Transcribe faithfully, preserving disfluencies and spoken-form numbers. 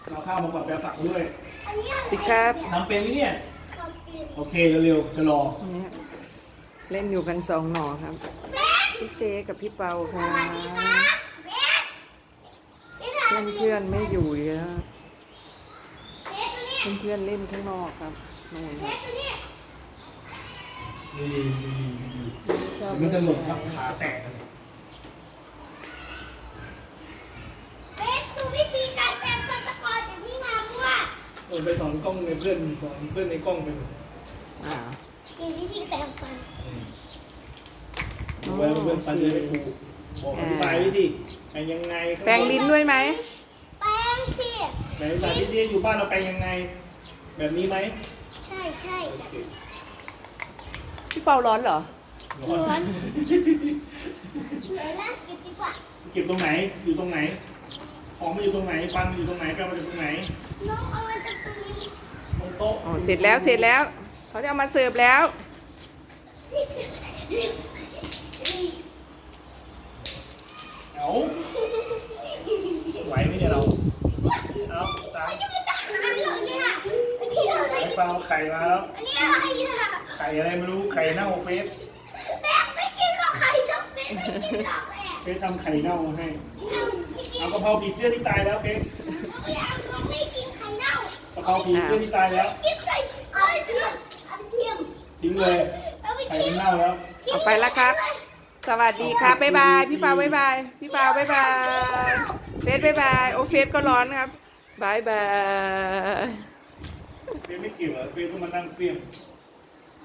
เราข้าวมากับแบบตักด้วยสวัสดีครับทำเป็นไหมเนี่ยโอเคเร็วๆจะรอเนี่ยเล่นอยู่กันสองหน่อครับพี่เจกับพี่เปาครับเพื่อนเพื่อนๆไม่อยู่อีกแล้วเพื่อนเพื่อนๆเล่นข้างนอกครับนู่นครับดีดีดีชอบมันเล่นจะหล่นทับทรายขาแตกเลยเบสดูวิธีการแปลงสตะกอนอย่างที่ทำว่าเออไปสอนกล้องในเพื่อนสอนเพื่อนในกล้องไปเลยอ่ามีวิธีแปลงฟันอืมดูไว้เพื่อนฟันจะได้ถูกบอกอธิบายวิธีแปลงยังไงแปรงลิ้นด้วยไหมแปลงสิไหนสาธิตที่อยู่บ้านเราแปลงยังไง แบบนี้ไหมใช่ใช่โอเคพี่เปาร้อนเหรอร้อนเดี๋ยวนะกินดีกว่าเก็บตรงไหนอยู่ตรงไหน ของมันอยู่ตรงไหนฟันมันอยู่ตรงไหนแปลงมันอยู่ตรงไหนน้องเอามันจะตรงนี้ตรงโต๊ะอ๋อเสร็จแล้วเสร็จแล้วเขาจะเอามาเสิร์ฟแล้วเอาไหวไหมเนี่ยเราเอาตามไม่ได้มาตักน้ำเหรอเนี่ยอันนี้อะไรไอ้เปล่าไข่มาแล้วอันนี้อะไรอ่ะไข่อะไรไม่รู้ไข่เน่าเฟสแม่ไม่กินหรอกไข่ทั้งเม็ดไม่กินหรอกแม่เฟสทำไข่เน่ามาให้เอาไม่กินเอากะเพราผีเสื้อที่ตายแล้วเฟสไม่เอาเราไม่กินไข่เน่ากะเพราผีเสื้อที่ตายแล้วกินไข่เอาไปเทียมเอาไปเทียมทิ้งเลยเอาไปไข่เทียมันมเน่าแล้วเอาไปแล้วครับ สวัสดีครับบ๊ายบายพี่เปาบ๊ายบายพี่เปาบ๊ายบายเฟสบ๊ายบายโอเฟสก็ร้อนครับบ๊ายบายเฟสไม่เกี่ยวเหรอเฟสก็มานั่งเฟี้ยง